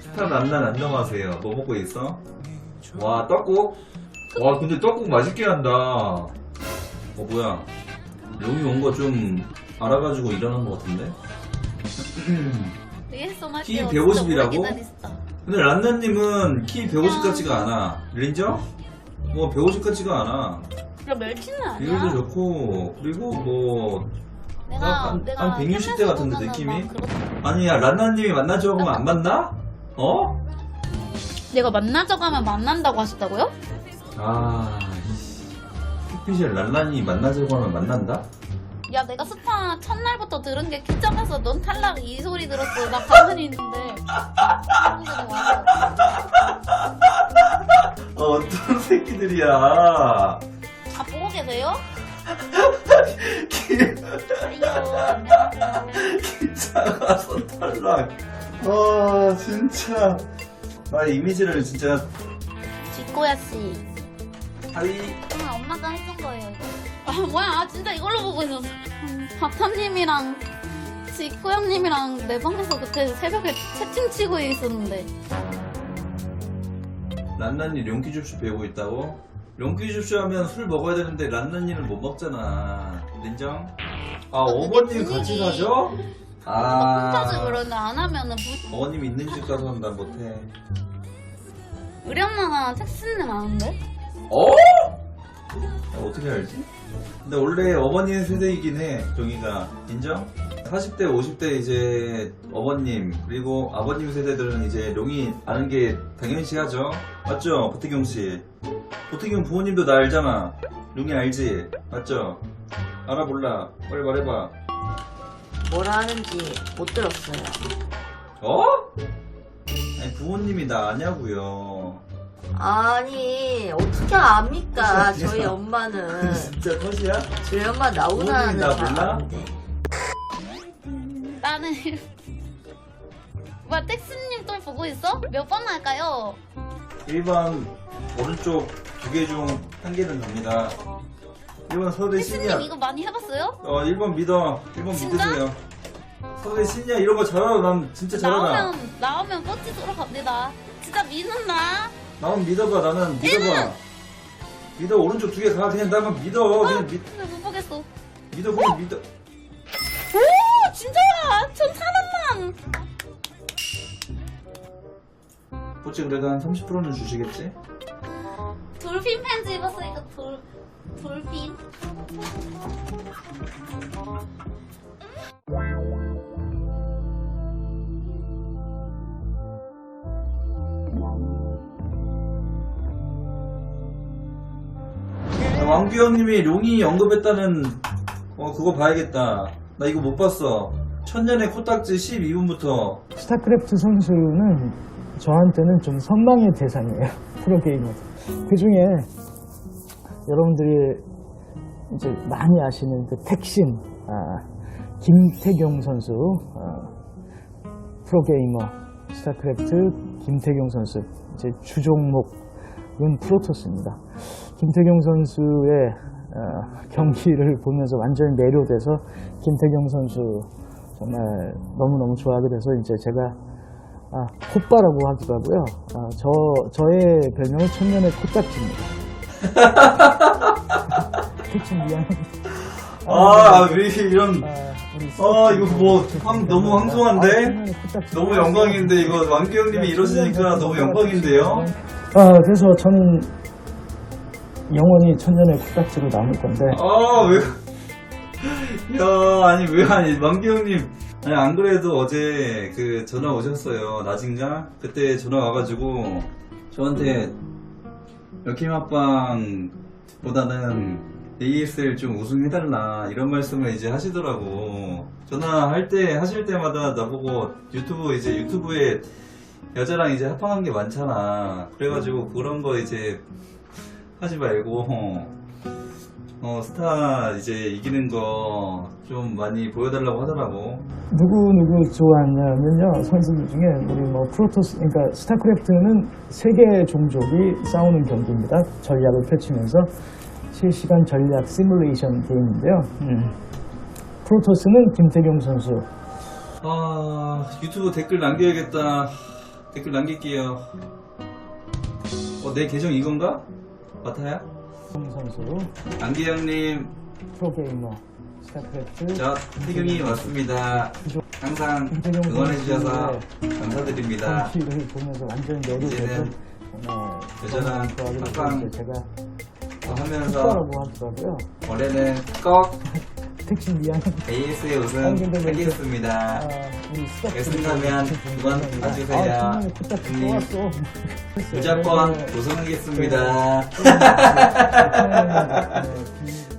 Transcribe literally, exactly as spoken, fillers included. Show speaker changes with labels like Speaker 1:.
Speaker 1: 스타 난난 안녕하세요. 뭐 먹고 있어? 와 떡국? 와 근데 떡국 맛있게 한다. 어 뭐야? 여기 온 거 좀 알아가지고 일어난 거 같은데? 키 백오십이라고? 근데 란나님은 키 백오십 같지가 않아. 린저? 뭐 백오십 같지가 않아.
Speaker 2: 야 멸치는 아니야.
Speaker 1: 비율도 좋고 그리고 뭐
Speaker 2: 내가
Speaker 1: 한,
Speaker 2: 내가
Speaker 1: 한 백육십 대 같은데
Speaker 2: 보면은
Speaker 1: 느낌이?
Speaker 2: 막 그렇다.
Speaker 1: 아니야 란나님이 만나자고 하면 안 만나? 어?
Speaker 2: 내가 만나자고 하면 만난다고 하셨다고요?
Speaker 1: 아 햇빛이 란나님이 만나자고 하면 만난다?
Speaker 2: 야 내가 스파 첫날부터 들은 게 키점에서 넌 탈락 이 소리 들었어. 나 가만히 있는데.
Speaker 1: 어, 어떤 새끼들이야.
Speaker 2: 아 보고 계세요? 아이고
Speaker 1: 작아서 탈락. 아 진짜 나 이미지를 진짜
Speaker 2: 지코야 씨.
Speaker 1: 하이.
Speaker 2: 아, 엄마가 해준 거예요 이거. 아 뭐야 아, 진짜 이걸로 보고 있었어. 음, 박탐님이랑 지코 형님이랑 내 방에서 그때 새벽에 채팅 치고 있었는데.
Speaker 1: 란나니 룡키줍쇼 배우고 있다고? 룡키줍쇼 하면 술 먹어야 되는데 란나니는 못 먹잖아. 인정? 아 어머님 같이 가죠?
Speaker 2: 아 혼자서
Speaker 1: 아
Speaker 2: 그러는데 안 하면은 부...
Speaker 1: 어머님 있는 집 가서 한다 못해.
Speaker 2: 우리 엄마가 택시는 아는데?
Speaker 1: 어? 야, 어떻게 알지? 근데 원래 어머님 세대이긴 해, 종이가. 인정? 사십 대, 오십 대 이제 어머님, 그리고 아버님 세대들은 이제 룡이 아는 게 당연시 하죠? 맞죠? 보태경씨. 보태경 부모님도 나 알잖아. 룡이 알지? 맞죠? 알아, 몰라? 빨리 말해봐.
Speaker 3: 뭐라 하는지 못 들었어요.
Speaker 1: 어? 아니, 부모님이 나 아냐고요.
Speaker 3: 아니 어떻게 압니까?
Speaker 1: 컷이야.
Speaker 3: 저희 엄마는
Speaker 1: 진짜 컷이야?
Speaker 3: 저희 엄마 나오나는
Speaker 1: 부모님이 나
Speaker 3: 다
Speaker 1: 몰라?
Speaker 3: 아는데.
Speaker 2: 나는 뭐야 택시님 또 보고 있어? 몇 번 할까요?
Speaker 1: 일 번 오른쪽 두 개 중 한 개는 갑니다. 일 번 서울대
Speaker 2: 택시님
Speaker 1: 신이야.
Speaker 2: 이거 많이 해봤어요?
Speaker 1: 어, 일 번 믿어. 일 번
Speaker 2: 진짜?
Speaker 1: 믿으세요. 서울대 신이야. 이런 거 잘하라. 난 진짜 잘하라.
Speaker 2: 나오면 나오면 뻗지 도록 갑니다. 진짜 믿는다.
Speaker 1: 나만 믿어봐. 나는 믿어봐. 믿어. 오른쪽 두 개 가. 그냥 나만 믿어. 그냥 믿,
Speaker 2: 근데 못 보겠어.
Speaker 1: 믿어. 그냥 믿어.
Speaker 2: 오 진짜야. 전 사람만.
Speaker 1: 보지 그래도 한 삼십 퍼센트는 주시겠지?
Speaker 2: 돌핀 팬츠 입었으니까 돌 돌핀.
Speaker 1: 왕규 형님이 룡이 언급했다는 어 그거 봐야겠다. 나 이거 못 봤어. 천년의 코딱지 십이 분부터
Speaker 4: 스타크래프트 선수는 저한테는 좀 선망의 대상이에요. 프로게이머. 그 중에 여러분들이 이제 많이 아시는 그 택신, 아, 김태경 선수, 아, 프로게이머, 스타크래프트 김태경 선수, 이제 주종목은 프로토스입니다. 김태경 선수의 어, 경기를 보면서 완전히 매료돼서 김태경 선수 정말 너무너무 좋아하게 돼서 이제 제가 아, 콧바라고 하기도 하고요. 아, 저, 저의 별명은 천년의 코딱지입니다. 대충 미안해.
Speaker 1: 아, 왜 이런
Speaker 4: 아, 우리
Speaker 1: 아 이거 뭐 황, 너무 황송한데?
Speaker 4: 아, 천년의 코딱지.
Speaker 1: 너무 영광인데 이거 왕규 형님이 이러시니까 너무 영광인데요?
Speaker 4: 아, 그래서 저는 영원히 천년의 코딱지로 남을 건데.
Speaker 1: 아, 왜, 야, 아니, 왜, 아니, 왕규 형님. 아니, 안 그래도 어제 그 전화 오셨어요. 낮인가? 그때 전화 와가지고 저한테 여킴 합방보다는 에이에스엘 좀 우승해달라 이런 말씀을 이제 하시더라고. 전화할 때, 하실 때마다 나보고 유튜브 이제 유튜브에 여자랑 이제 합방한 게 많잖아. 그래가지고 그런 거 이제 하지 말고 어 스타 이제 이기는 거 좀 많이 보여달라고 하더라고.
Speaker 4: 누구 누구 좋아하냐면요, 선수들 중에 우리 뭐 프로토스, 그러니까 스타크래프트는 세 개의 종족이 싸우는 경기입니다. 전략을 펼치면서 실시간 전략 시뮬레이션 게임인데요. 음. 프로토스는 김태경 선수.
Speaker 1: 아 유튜브 댓글 남겨야겠다. 댓글 남길게요. 어, 내 계정 이건가? 마타야?
Speaker 4: 송 선수,
Speaker 1: 안기영님,
Speaker 4: 프로게이머, 스타크래프트,
Speaker 1: 저 태경이 왔습니다. 항상 응원해주셔서 감사드립니다.
Speaker 4: 경기를 보면서 완전 열이
Speaker 1: 이제는
Speaker 4: 되고 정말
Speaker 1: 여전한
Speaker 4: 좋아하게
Speaker 1: 팟빵
Speaker 4: 됐어요. 제가
Speaker 1: 하면서
Speaker 4: 축구라고 하더라고요.
Speaker 1: 올해는 꼭
Speaker 4: 택시 미안.
Speaker 1: 에이에스의 우승
Speaker 4: 아니, 근데 왜 이렇게-
Speaker 1: 하겠습니다.
Speaker 4: 아, 우리 스타크래프트
Speaker 1: 결승가면 두번 봐주세요.
Speaker 4: 아, 정말 그때
Speaker 1: 형님.
Speaker 4: 좋았어.
Speaker 1: 무조건
Speaker 4: 네.
Speaker 1: 우승하겠습니다.
Speaker 4: 네. 네. 네.